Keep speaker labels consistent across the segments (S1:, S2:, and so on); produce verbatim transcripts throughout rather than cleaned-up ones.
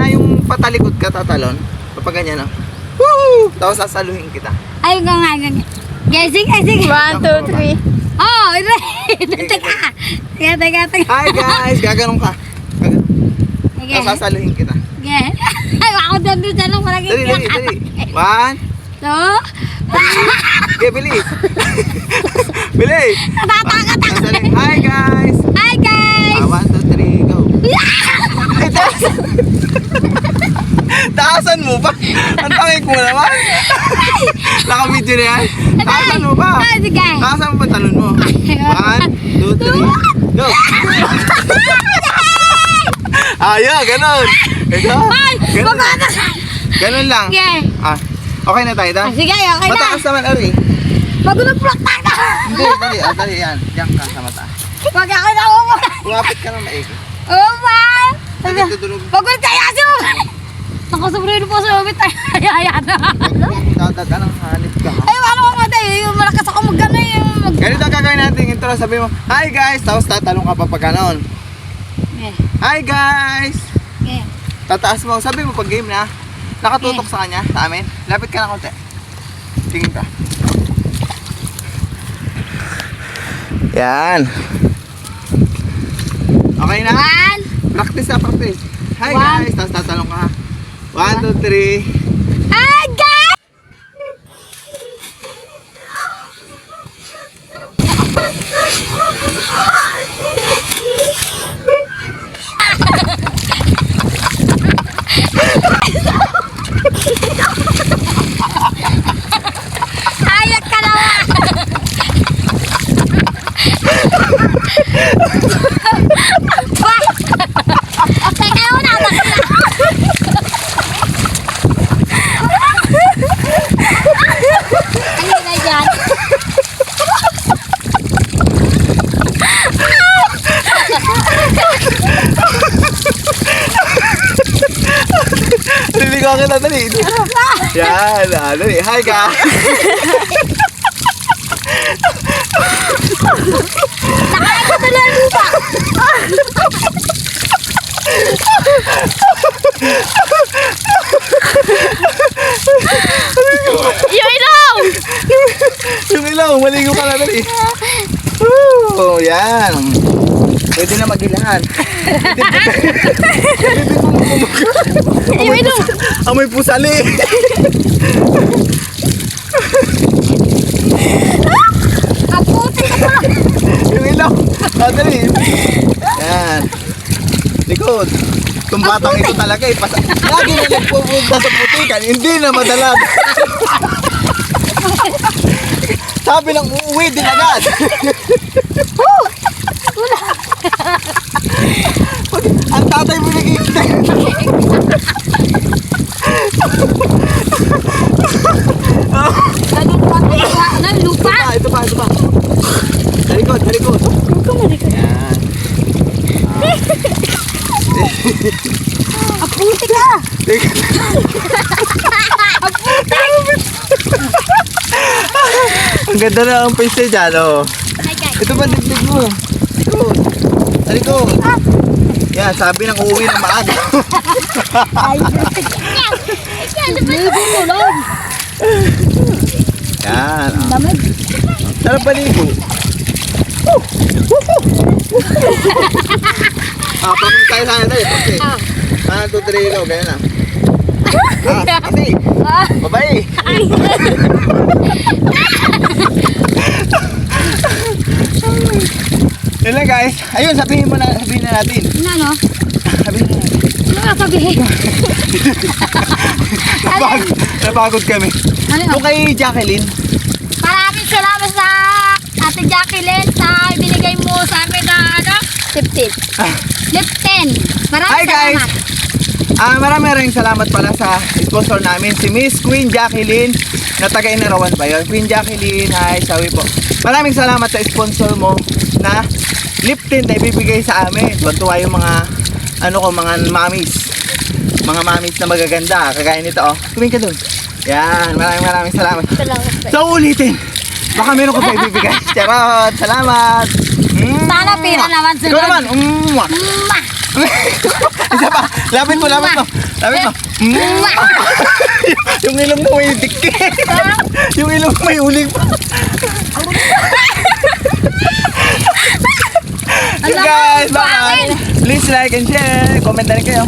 S1: yung patalikod ka, tatalon. Kapag ganyan, no? Woo! Tapos sasaluhin kita.
S2: Ay, nga nga nga. Okay, sige, sige.
S3: One, two, three.
S2: Oh, teka. Teka, teka, teka.
S1: Hi guys! Gaganon ka. Gaganon.
S2: Sige.
S1: Tapos sasaluhin kita.
S2: Sige. Ay, ako doon doon sa lang parang
S1: Dali, dali, dali. One,
S2: two.
S1: okay, bilis. Bilis.
S2: Natatakot ako.
S1: Sasaluhin. Hi guys!
S2: Hi, guys.
S1: Ah, one, two, three, go. Ay, taas! Taasan mo pa! Ang tangik mo naman! Naka-video na yan? Taasan mo pa!
S2: Ah, sige.
S1: Taasan mo pa talon mo. One, two, three, go! Ayan, ganon! Ito,
S2: Ay,
S1: ganon.
S2: baka na.
S1: Ganon lang.
S2: Sige.
S1: Ah, okay na tayo, ta?
S2: Ah, sige, okay na.
S1: Mataas naman, Ari.
S2: Magulog-plak na.
S1: Hindi, dali, ah, dali, yan. Diyan ka sa mata.
S2: Wag ako na umo.
S1: Kumapit ka na maigi.
S2: Oh, ma.
S1: Dali, tutulog.
S2: Pagod kaya siya. Nakasobrero po sa umit. Ay, ay, ay.
S1: Dadaga ng hanip ka.
S2: Ay, ano ko mata eh. Yung malakas ako mag-ano yung mag...
S1: Ganito ang gagawin natin. Intro, sabi mo, hi guys! Tapos tatalong ka pa pag ganon.
S2: Okay.
S1: Hi guys!
S2: Okay.
S1: Tataas mo. Sabi mo pag game na. Nakatutok sa kanya, sa amin. Lapit ka na konti. Tingin ka. Yan. Okay na?
S2: One.
S1: Practice na, practice. Hi
S2: One.
S1: guys! Tapos tatalong ka. One, two, three.
S2: Ay, guys! Ayak ka naman! Teka muna, bakla! Ano na dyan?
S1: Naliligaw ka na, dali. Yan, ah, dali. Hi guys!
S2: Nakain ko tuloy ang lupa!
S3: Yung ilaw!
S1: Yung ilaw, maligo ka na, dali. Oh, yan. Pwede na magilahan.
S3: Yung ilaw!
S1: Amoy pusali.
S2: Kaputi ka pa!
S1: Yung ilaw. Ah, dali. Yan. Likod. Itong batang ito talaga eh. Pas- Lagi na nagpupunta sa putikan. Hindi na madalag. Sabi lang uuwi din agad. Ang tatay mo nag-iintay.
S2: Ganun pa lupa. Ano, lupa?
S1: Ah, ito pa, ito pa. Talikod, talikod. Yan.
S2: Kaputi ka!
S1: Ang ganda na ang face niya dyan, oh.
S2: Hi guys.
S1: Ito ba dibdib mo? Talikod. Talikod. Yan, sabi ng uuwi ng maaga.
S2: Ay, yan! Yan, lumulong!
S1: Yan. Oh.
S2: Damag.
S1: Sarap baligo. Ah, pakong tayo sana tayo. Okay.
S2: Ah.
S1: One, two, three, go. Ganyan na. Ah, hindi.
S2: Ah.
S1: Babae. Yun lang guys. Ayun, sabihin mo na, sabihin na natin.
S2: Ano, no?
S1: Sabihin na natin.
S2: Ano nga sabihin?
S1: Napagod, napagod kami.
S2: Ano yun?
S1: Kung kay Jacqueline,
S2: Maraming salamat sa Ate Jacqueline sa binigay mo sa amin na ano?
S3: Fifteen.
S2: Lipton. Maraming
S1: Hi guys!
S2: salamat.
S1: Ah, maraming maraming salamat pala sa sponsor namin, si Miss Queen Jacqueline, na taga Inarawan ba yun? Queen Jacqueline, hi, sawi po. Maraming salamat sa sponsor mo na lip tint na ibibigay sa amin. Tuwa yung mga, ano ko, mga mamis. Mga mamis na magaganda, kagaya nito, oh. Tumingin ka dun. Yan, maraming maraming salamat.
S3: Salamat po.
S1: So, ulitin. Baka meron ko pa ibibigay. Charot, salamat.
S2: Sana pira naman
S1: Ikaw
S2: sunod.
S1: naman, umma.
S2: Mwah!
S1: Isa pa. Lapit mo, lapit mo. Lapit mo. Yung ilong mo may dikit. Yung ilong mo may uling pa. So guys, bye. Please like and share. Comment na rin kayo.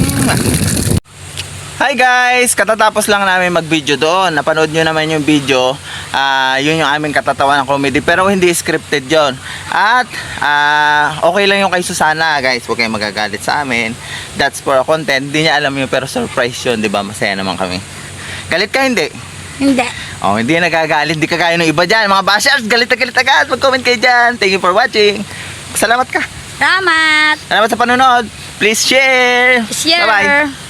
S1: Hi guys! Katatapos lang namin mag-video doon. Napanood nyo naman yung video. Ah, yun yung aming katatawa ng comedy. Pero hindi scripted yon. At ah, okay lang yung kay Susana guys. Huwag kayong magagalit sa amin. That's for a content. Hindi niya alam yun pero surprise yun. Diba? Masaya naman kami. Galit ka hindi?
S2: Hindi.
S1: Oh, hindi nagagalit. Hindi kagaya ng iba dyan. Mga bashers, galit na galit agad. Mag-comment kayo dyan. Thank you for watching. Salamat ka.
S2: Salamat.
S1: Salamat sa panonood. Please share.
S2: Share.
S1: Bye-bye.